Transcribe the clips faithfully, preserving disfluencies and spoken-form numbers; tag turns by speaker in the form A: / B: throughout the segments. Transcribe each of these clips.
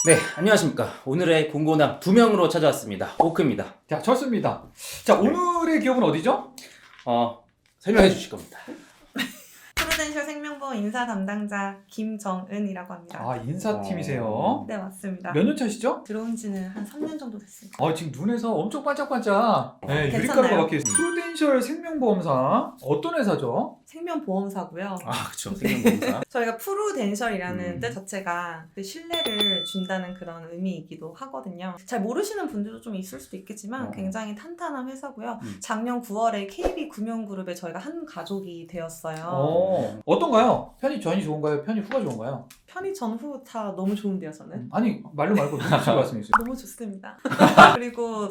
A: 네, 안녕하십니까. 오늘의 공고남 두 명으로 찾아왔습니다. 오크입니다.
B: 자, 좋습니다. 자, 오늘의 기업은 어디죠?
A: 어, 설명해 주실 겁니다.
C: 프루덴셜 생명보험 인사 담당자 김정은이라고 합니다.
B: 아, 인사팀이세요.
C: 네, 맞습니다.
B: 몇 년 차시죠?
C: 들어온 지는 한 삼 년 정도 됐습니다.
B: 어, 지금 눈에서 엄청 반짝반짝. 네,
C: 괜찮나요?
B: 유리가루가 박혀 있어요. 프루덴셜 생명보험사. 어떤 회사죠?
C: 생명보험사고요.
A: 아, 그쵸. 생명보험사.
C: 저희가 프루덴셜이라는
A: 음.
C: 뜻 자체가 그 신뢰를 준다는 그런 의미이기도 하거든요. 잘 모르시는 분들도 좀 있을 수도 있겠지만
A: 어.
C: 굉장히 탄탄한 회사고요.
A: 음.
C: 작년 구월에 케이비금융그룹에 저희가 한 가족이 되었어요.
B: 어, 어떤가요? 편이 전이 좋은가요? 편이 후가 좋은가요?
C: 편의 전후 다 너무 좋은데요, 저는.
B: 아니, 말로 말고 너무 좋은 말씀이세요.
C: 너무 좋습니다. 그리고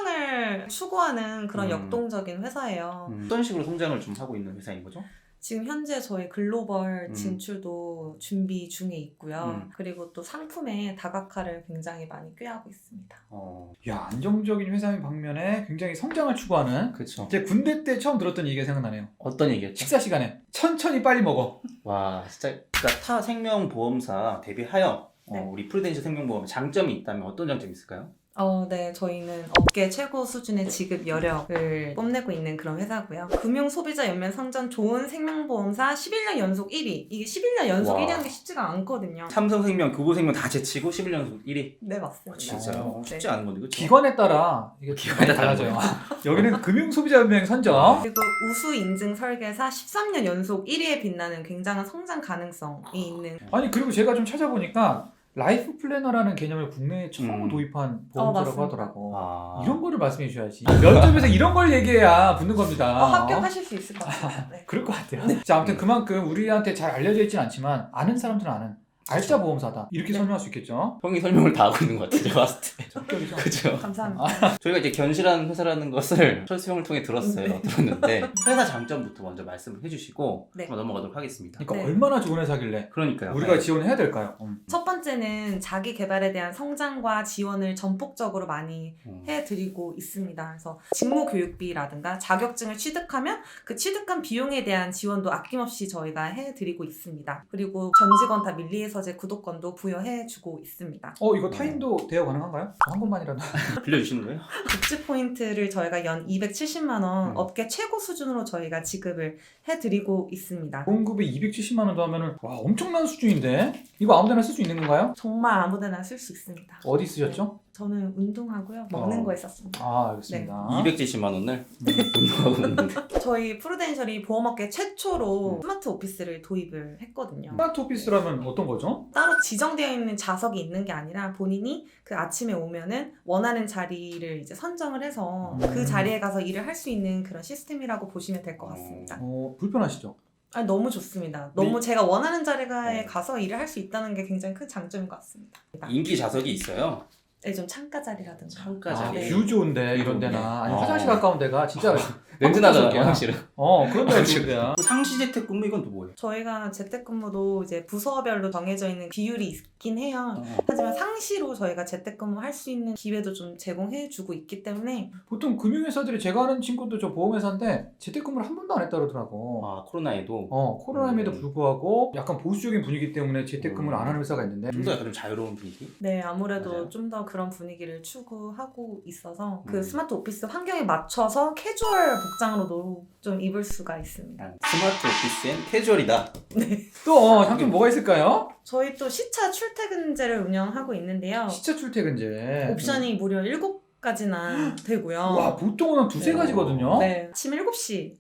C: 성장을 추구하는 그런
A: 음.
C: 역동적인 회사예요.
A: 음, 어떤 식으로 성장을 좀 하고 있는 회사인 거죠?
C: 지금 현재 저희 글로벌
A: 음.
C: 진출도 준비 중에 있고요.
A: 음.
C: 그리고 또 상품의 다각화를 굉장히 많이 꾀하고 있습니다.
A: 어,
B: 야, 안정적인 회사인 방면에 굉장히 성장을 추구하는.
A: 그쵸.
B: 제 군대 때 처음 들었던 얘기가 생각나네요.
A: 어떤 얘기였죠?
B: 식사 시간에 천천히 빨리 먹어.
A: 와, 진짜. 그러니까 타 생명보험사 대비하여
C: 네.
A: 어, 우리 프루덴셜 생명보험 장점이 있다면 어떤 장점이 있을까요?
C: 어, 네. 저희는 업계 최고 수준의 지급 여력을 뽐내고 있는 그런 회사고요. 금융 소비자 연면 선전 좋은 생명보험사 십일 년 연속 일 위. 이게 십일 년 연속
A: 와.
C: 일 위 하는 게 쉽지가 않거든요.
A: 삼성생명, 교보생명 다 제치고 십일 년 연속 일 위.
C: 네, 맞습니다.
A: 진짜요?
B: 어,
A: 쉽지
C: 네.
A: 않은 건데, 그쵸?
B: 기관에 따라 이게
A: 기관에
B: 많이
A: 따라
B: 달라져요. 여기는 금융소비자연맹 선정.
C: 그리고 우수 인증 설계사 십삼 년 연속 일 위에 빛나는 굉장한 성장 가능성이 있는
B: 아니, 그리고 제가 좀 찾아보니까 라이프 플래너라는 개념을 국내에 처음
A: 음.
B: 도입한
C: 어,
B: 보험사라고
C: 맞습니다.
B: 하더라고.
A: 아.
B: 이런 거를 말씀해 주셔야지. 면접에서 이런 걸 얘기해야 붙는 겁니다.
C: 어, 합격하실 수 있을 것 같습니다. 네.
B: 그럴 것 같아요. 자, 아무튼 그만큼 우리한테 잘 알려져 있진 않지만 아는 사람들은 아는 알짜 보험사다. 이렇게
C: 네.
B: 설명할 수 있겠죠.
A: 형이 설명을 다 하고 있는 것 같아요, 제가 봤을 때.
B: 적격이죠.
A: 그죠?
C: 감사합니다.
A: 저희가 이제 견실한 회사라는 것을 철수 형을 통해 들었어요.
C: 네.
A: 들었는데 회사 장점부터 먼저 말씀을 해주시고
C: 네.
A: 한번 넘어가도록 하겠습니다.
B: 그러니까
C: 네.
B: 얼마나 좋은 회사길래
A: 그러니까요.
B: 우리가
A: 네.
B: 지원해야 될까요? 음.
C: 첫 번째는 자기 개발에 대한 성장과 지원을 전폭적으로 많이
A: 음.
C: 해드리고 있습니다. 그래서 직무 교육비라든가 자격증을 취득하면 그 취득한 비용에 대한 지원도 아낌없이 저희가 해드리고 있습니다. 그리고 전 직원 다 밀리에서제 구독권도 부여해주고 있습니다.
B: 어, 이거 타인도 대여 가능한가요? 한 번만이라도.
A: 빌려주시는 거예요?
C: 복지 포인트를 저희가 연 이백칠십만 원
A: 음.
C: 업계 최고 수준으로 저희가 지급을 해드리고 있습니다.
B: 보험급이 이백칠십만 원도 하면은 와, 엄청난 수준인데 이거 아무데나 쓸 수 있는 건가요?
C: 정말 아무데나 쓸 수 있습니다.
B: 어디 쓰셨죠?
C: 저는 운동하고요. 먹는
B: 어.
C: 거에 썼습니다.
B: 아, 알겠습니다.
A: 이백칠십만 원을 운동하고 있는데.
C: 저희 프루덴셜이 보험업계 최초로 스마트 오피스를 도입을 했거든요.
B: 스마트 오피스라면 어떤 거죠?
C: 따로 지정되어 있는 좌석이 있는 게 아니라 본인이 그 아침에 오면은 원하는 자리를 이제 선정을 해서
B: 음.
C: 그 자리에 가서 일을 할 수 있는 그런 시스템이라고 보시면 될 것 같습니다.
B: 어, 불편하시죠?
C: 아니, 너무 좋습니다. 너무
B: 네.
C: 제가 원하는 자리에
A: 어.
C: 가서 일을 할 수 있다는 게 굉장히 큰 장점인 것 같습니다.
A: 인기 좌석이 있어요.
C: 네, 좀 창가 자리라든가.
A: 창가
B: 아,
A: 자리.
C: 네.
B: 뷰 좋은데 이런 데나 아니
A: 어.
B: 화장실 가까운 데가 진짜
A: 냄새 나잖아요,
B: 한국적이야.
A: 화장실은.
B: 어, 그런 데가
A: 지금.
B: 좋은데야.
A: 그 상시재택 근무 이건 또 뭐예요?
C: 저희가 재택근무도 이제 부서별로 정해져 있는 비율이 있긴 해요.
A: 어.
C: 하지만 상시로 저희가 재택근무 할 수 있는 기회도 좀 제공해주고 있기 때문에
B: 보통 금융회사들이 제가 아는 친구도 저 보험회사인데 재택근무를 한 번도 안 했다 그러더라고.
A: 아, 코로나에도
B: 어, 코로나임에도
A: 음.
B: 불구하고 약간 보수적인 분위기 때문에 재택근무를
A: 음.
B: 안 하는 회사가 있는데
A: 좀 더 약간 좀 자유로운 분위기?
C: 네 아무래도
A: 맞아요.
C: 좀 더 그런 분위기를 추구하고 있어서 그
A: 음.
C: 스마트 오피스 환경에 맞춰서 캐주얼 복장으로도 좀 입을 수가 있습니다.
A: 아, 스마트 오피스엔 캐주얼이다.
B: 또 어, 장점 뭐가 있을까요?
C: 저희 또 시차 출퇴근제를 운영하고 있는데요.
B: 시차 출퇴근제.
C: 옵션이 무려 일곱 가지나 되고요.
B: 와, 보통은 한 두세
C: 네.
B: 가지거든요.
C: 네, 아침 일곱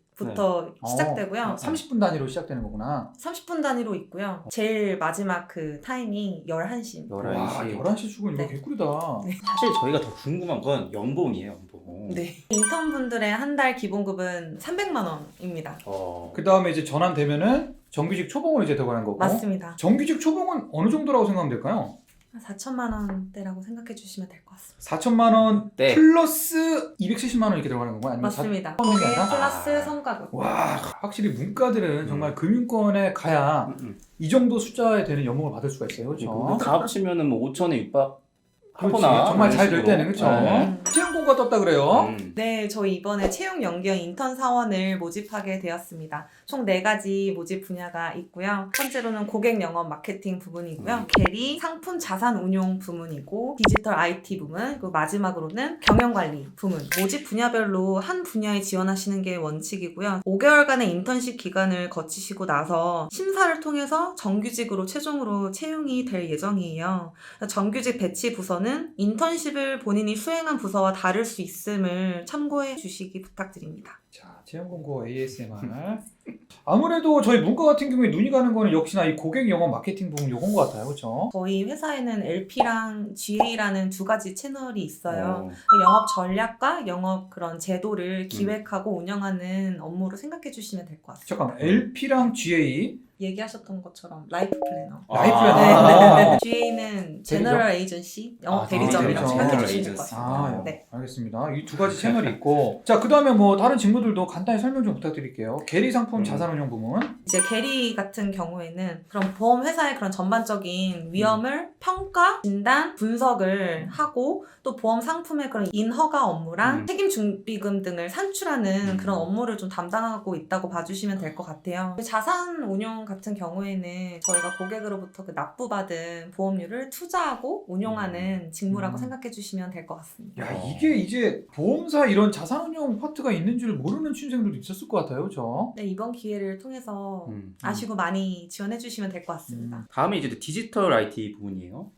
C: 시부터 시작되고요.
B: 어, 삼십 분 단위로 시작되는 거구나.
C: 삼십 분 단위로 있고요. 제일 마지막 그 타임이 열한 시입니다.
B: 와,
A: 열한 시.
B: 열한 시 출근 이거
C: 네.
B: 개꿀이다.
A: 사실 저희가 더 궁금한 건 연봉이에요, 연봉.
C: 네. 인턴분들의 한 달 기본급은 삼백만 원입니다.
A: 어.
B: 그 다음에 이제 전환되면은 정규직 초봉으로 이제 들어가는 거고.
C: 맞습니다.
B: 정규직 초봉은 어느 정도라고 생각하면 될까요?
C: 한 사천만 원대라고 생각해 주시면 될 것 같습니다.
B: 사천만 원
A: 네.
B: 플러스 이백칠십만 원 이렇게 들어가는 건가요? 아니면
C: 맞습니다.
B: 사-
C: 거기에
B: 아니라?
C: 플러스
A: 아.
C: 성과급.
B: 와, 확실히 문과들은
A: 음.
B: 정말 금융권에 가야
A: 음, 음.
B: 이 정도 숫자에 되는 연봉을 받을 수가 있어요. 그렇죠?
A: 다 합치면은 뭐 오천에 육박
B: 그렇지.
A: 하거나
B: 정말
A: 이런
B: 잘 될
A: 식으로.
B: 때는 그렇죠.
A: 네.
B: 채용공고 인터뷰가 떴다 그래요.
A: 음.
C: 네, 저희 이번에 채용 연계형 인턴 사원을 모집하게 되었습니다. 총 네 가지 모집 분야가 있고요. 첫 번째로는 고객 영업 마케팅 부문이고요.
A: 음.
C: 계리, 상품 자산 운용 부문이고 디지털 아이티 부문, 그리고 마지막으로는 경영 관리 부문. 모집 분야별로 한 분야에 지원하시는 게 원칙이고요. 오 개월간의 인턴십 기간을 거치시고 나서 심사를 통해서 정규직으로 최종으로 채용이 될 예정이에요. 정규직 배치 부서는 인턴십을 본인이 수행한 부서와 다를 수 있음을 참고해 주시기 부탁드립니다.
B: 자, 채용공고 에이에스엠알. 아무래도 저희 문과 같은 경우에 눈이 가는 거는 역시나 이 고객 영업 마케팅 부분 요건 것 같아요. 그렇죠?
C: 저희 회사에는 엘피랑 지에이라는 두 가지 채널이 있어요.
A: 어.
C: 영업 전략과 영업 그런 제도를 기획하고 운영하는 업무로 생각해 주시면 될 것 같습니다.
B: 잠깐만, 엘피랑 지에이.
C: 얘기하셨던 것처럼 라이프 플래너.
B: 라이프
A: 아.
B: 플래너.
C: 네, 네. 지에이는 제너럴 에이전시, 영업
A: 아,
C: 대리점이라고
B: 대리점.
C: 생각해
A: 제너럴
C: 주시면 될 것
A: 에이전시.
C: 같습니다.
B: 아,
C: 네.
B: 알겠습니다. 이 두 가지 채널이 있고. 자, 그 다음에 뭐 다른 직무들도 간단히 설명 좀 부탁드릴게요. 계리 상품
A: 음.
B: 자산운용 부문.
C: 이제 계리 같은 경우에는 그런 보험 회사의 그런 전반적인 위험을 평가, 진단, 분석을 하고 또 보험 상품의 그런 인허가 업무랑
A: 음.
C: 책임 준비금 등을 산출하는
A: 음.
C: 그런 업무를 좀 담당하고 있다고 봐주시면 될 것 같아요. 자산 운용 같은 경우에는 저희가 고객으로부터 그 납부받은 보험료를 투자하고 운용하는 직무라고
B: 음.
C: 생각해 주시면 될 것 같습니다.
B: 야,
A: 어.
B: 이게 이제 보험사 이런 자산운용 파트가 있는 줄 모르는 취준생들도 있었을 것 같아요. 그렇죠?
C: 네, 이번 기회를 통해서
A: 음.
C: 아시고 많이 지원해 주시면 될 것 같습니다.
B: 음.
A: 다음에 이제 디지털 아이티 부분이에요.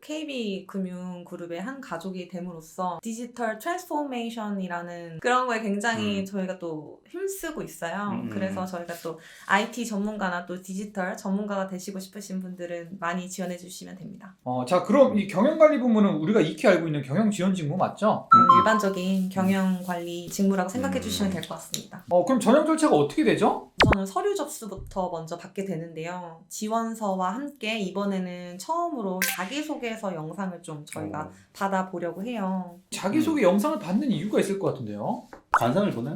C: 케이비금융그룹의 한 가족이 됨으로써 디지털 트랜스포메이션이라는 그런 거에 굉장히
A: 음.
C: 저희가 또 힘쓰고 있어요.
A: 음.
C: 그래서 저희가 또 아이티 전문가나 또 디지털 전문가가 되시고 싶으신 분들은 많이 지원해 주시면 됩니다.
B: 어, 자, 그럼 이 경영관리 부문은 우리가 익히 알고 있는 경영지원 직무 맞죠?
A: 음.
C: 일반적인 경영관리 직무라고 생각해
A: 음.
C: 주시면 될 것 같습니다.
B: 어, 그럼 전형 절차가 어떻게 되죠?
C: 우선은 서류 접수부터 먼저 받게 되는데요. 지원서와 함께 이번에는 처음으로 자기소개서 영상을 좀 저희가
A: 어.
B: 음.
C: 받아보려고 해요.
B: 자기소개 영상을 받는 이유가 있을 것 같은데요.
A: 관상을 보나요?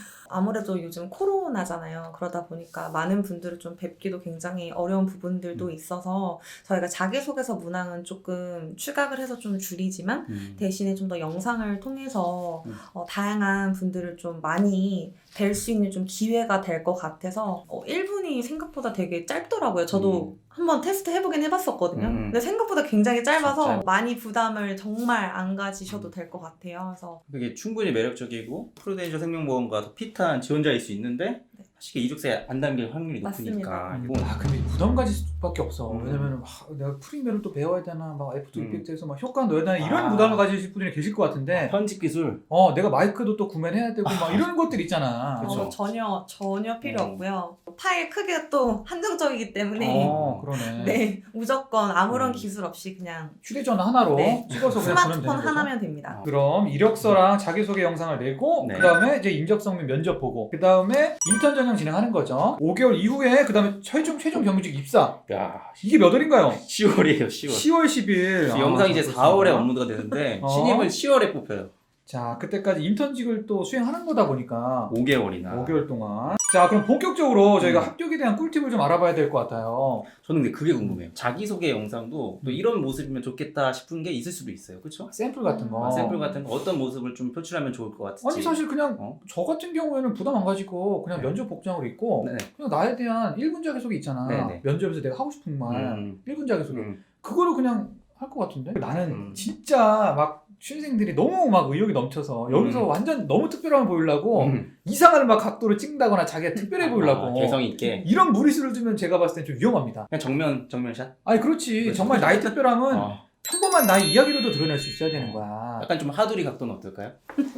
C: 아무래도 요즘 코로나잖아요. 그러다 보니까 많은 분들을 좀 뵙기도 굉장히 어려운 부분들도
A: 음.
C: 있어서 저희가 자기소개서 문항은 조금 추각을 해서 좀 줄이지만
A: 음.
C: 대신에 좀 더 영상을 통해서
A: 음.
C: 어, 다양한 분들을 좀 많이 뵐 수 있는 좀 기회가 될 것 같아서 어, 일 분이 생각보다 되게 짧더라고요. 저도
A: 음.
C: 한번 테스트 해보긴 해봤었거든요.
A: 음.
C: 근데 생각보다 굉장히 짧아서
A: 짧-
C: 많이 부담을 정말 안 가지셔도 될 것 같아요. 그래서
A: 그게 충분히 매력적이고 프루덴셜 생명보험과 더 핏한 지원자일 수 있는데
C: 네.
A: 사실 이력서에 안 담길 확률이 높으니까
C: 맞습니다.
A: 이거
B: 아, 근데 부담 가질 수밖에 없어.
A: 음.
B: 왜냐면 아, 내가 프리미어를 또 배워야 되나, 막 애프터
A: 음.
B: 이펙트에서 막 효과 넣어야 되나 이런
A: 아.
B: 부담을 가지실 분들이 계실 것 같은데.
A: 편집 기술
B: 어, 내가 마이크도 또 구매를 해야 되고 막 이런 것들 있잖아.
A: 그쵸.
C: 어, 전혀 전혀 필요
A: 음.
C: 없고요. 파일 크기가 또 한정적이기 때문에
B: 어, 그러네.
C: 네 무조건 아무런
A: 음.
C: 기술 없이 그냥
B: 휴대전화 하나로
C: 네.
B: 찍어서 그냥 보내면
C: 스마트폰
B: 되는 거죠.
C: 하나면 됩니다.
A: 어.
B: 그럼 이력서랑 자기소개 영상을 내고
A: 네.
B: 그 다음에 이제 인적성 및 면접 보고 그 다음에 인턴 전형 진행하는 거죠. 오 개월 이후에 그 다음에 최종 최종 경직 입사.
A: 야
B: 이게 몇 월인가요?
A: 시월이에요 시월.
B: 시월 십일. 아,
A: 영상이 이제
B: 그렇습니다.
A: 사월에 업로드가 되는데
B: 어.
A: 신입은 시월에 뽑혀요.
B: 자, 그때까지 인턴직을 또 수행하는 거다 보니까
A: 오 개월이나.
B: 오 개월 동안. 자, 그럼 본격적으로 저희가
A: 음.
B: 합격에 대한 꿀팁을 좀 알아봐야 될 것 같아요.
A: 저는 근데 그게 궁금해요. 자기소개 영상도 또 이런 모습이면 좋겠다 싶은 게 있을 수도 있어요. 그렇죠?
B: 샘플 같은 거.
A: 아, 샘플 같은 거 어떤 모습을 좀 표출하면 좋을 것 같을지.
B: 아니 사실 그냥
A: 어?
B: 저 같은 경우에는 부담 안 가지고 그냥
A: 네.
B: 면접 복장으로 입고
A: 네네.
B: 그냥 나에 대한 일 분 자기소개 있잖아.
A: 네네.
B: 면접에서 내가 하고 싶은 말
A: 음.
B: 일 분 자기소개.
A: 음.
B: 그거를 그냥 할 것 같은데 나는
A: 음.
B: 진짜 막 취준생들이 너무 막 의욕이 넘쳐서 여기서
A: 음.
B: 완전 너무 특별함을 보이려고
A: 음.
B: 이상한 막 각도를 찍다거나 자기가 특별해 보이려고
A: 아, 개성 있게.
B: 이런 무리수를 두면 제가 봤을 땐 좀 위험합니다.
A: 그냥 정면 정면샷.
B: 아니 그렇지.
A: 그렇죠.
B: 정말 나의 특별함은
A: 어.
B: 평범한 나의 이야기로도 드러낼 수 있어야 되는 거야.
A: 약간 좀 하두리 각도는 어떨까요?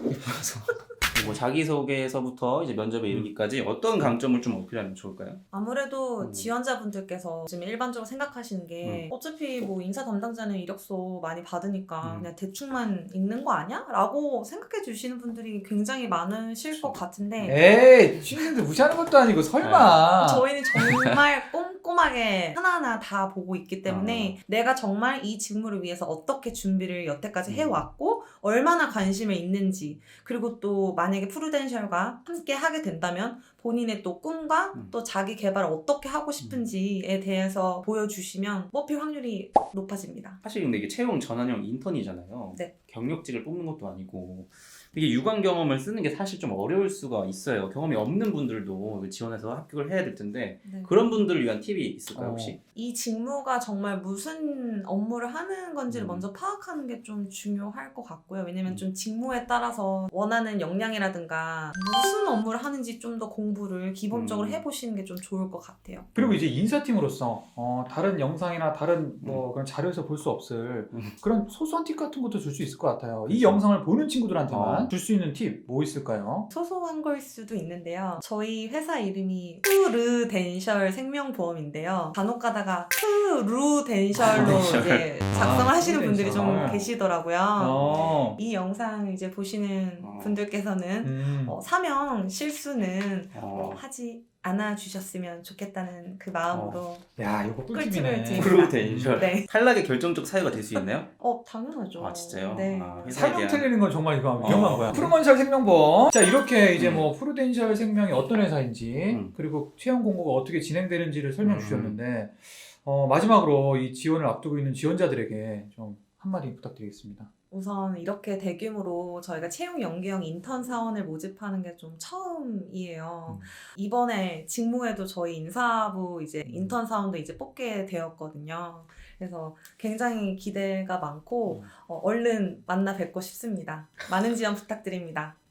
A: 뭐 자기소개서부터 이제 면접에 이르기까지 어떤 강점을 좀 어필하면 좋을까요?
C: 아무래도
A: 음.
C: 지원자분들께서 지금 일반적으로 생각하시는 게 어차피 뭐 인사 담당자는 이력서 많이 받으니까
A: 음.
C: 그냥 대충만 읽는 거 아니야? 라고 생각해 주시는 분들이 굉장히 많으실 것 같은데
B: 에이 취준생들 무시하는 것도 아니고 설마.
C: 저희는 정말 꼼꼼하게 하나하나 다 보고 있기 때문에 내가 정말 이 직무를 위해서 어떻게 준비를 여태까지
A: 음.
C: 해왔고 얼마나 관심을 있는지 그리고 또 만약에 프루덴셜과 함께 하게 된다면 본인의 또 꿈과
A: 음.
C: 또 자기 개발을 어떻게 하고 싶은지에 대해서 보여주시면 뽑힐 확률이 높아집니다.
A: 사실 근데 이게 채용 전환형 인턴이잖아요.
C: 네.
A: 경력직을 뽑는 것도 아니고 이게 유관 경험을 쓰는 게 사실 좀 어려울 수가 있어요. 경험이 없는 분들도 지원해서 합격을 해야 될 텐데
C: 네.
A: 그런 분들을 위한 팁이 있을까요 혹시?
C: 이 직무가 정말 무슨 업무를 하는 건지를
A: 음.
C: 먼저 파악하는 게 좀 중요할 것 같고요. 왜냐면
A: 음.
C: 좀 직무에 따라서 원하는 역량이라든가 무슨 업무를 하는지 좀 더 공부를 기본적으로
A: 음.
C: 해보시는 게 좀 좋을 것 같아요.
B: 그리고 이제 인사팀으로서 어, 다른 영상이나 다른 뭐 그런 자료에서 볼 수 없을
A: 음.
B: 그런 소소한 팁 같은 것도 줄 수 있을 것 같아요. 이 영상을 보는 친구들한테만
A: 어.
B: 줄 수 있는 팁 뭐 있을까요?
C: 소소한 걸 수도 있는데요. 저희 회사 이름이 프르덴셜 생명보험인데요. 간혹 가다가 프루덴셜로
A: 덴셜.
C: 이제 작성을
B: 아,
C: 하시는 분들이 좀
B: 프루덴셜.
C: 계시더라고요.
B: 어.
C: 이 영상 이제 보시는
A: 어.
C: 분들께서는
B: 음.
C: 어, 사명 실수는
A: 어.
C: 어, 하지 않아 주셨으면 좋겠다는 그 마음으로
B: 야, 이거
C: 꿀팁을
B: 꿀팁이네.
C: 드립니다.
A: 프로덴셜.
C: 네.
A: 탈락의 결정적 사유가 될 수 있나요?
C: 어 당연하죠.
A: 아 진짜요?
C: 네.
A: 아, 회사에
B: 사명
A: 대한
B: 틀리는 건 정말 이거 위험한
A: 어.
B: 거야. 프루덴셜 생명보험. 자, 이렇게 이제
A: 음.
B: 뭐 프루덴셜 생명이 어떤 회사인지
A: 음.
B: 그리고 채용 공고가 어떻게 진행되는지를 설명해
A: 음.
B: 주셨는데 어, 마지막으로 이 지원을 앞두고 있는 지원자들에게 좀 한마디 부탁드리겠습니다.
C: 우선 이렇게 대규모로 저희가 채용 연계형 인턴 사원을 모집하는 게 좀 처음이에요.
B: 음.
C: 이번에 직무에도 저희 인사부 이제
B: 음.
C: 인턴 사원도 이제 뽑게 되었거든요. 그래서 굉장히 기대가 많고
B: 음.
C: 어, 얼른 만나 뵙고 싶습니다. 많은 지원 부탁드립니다.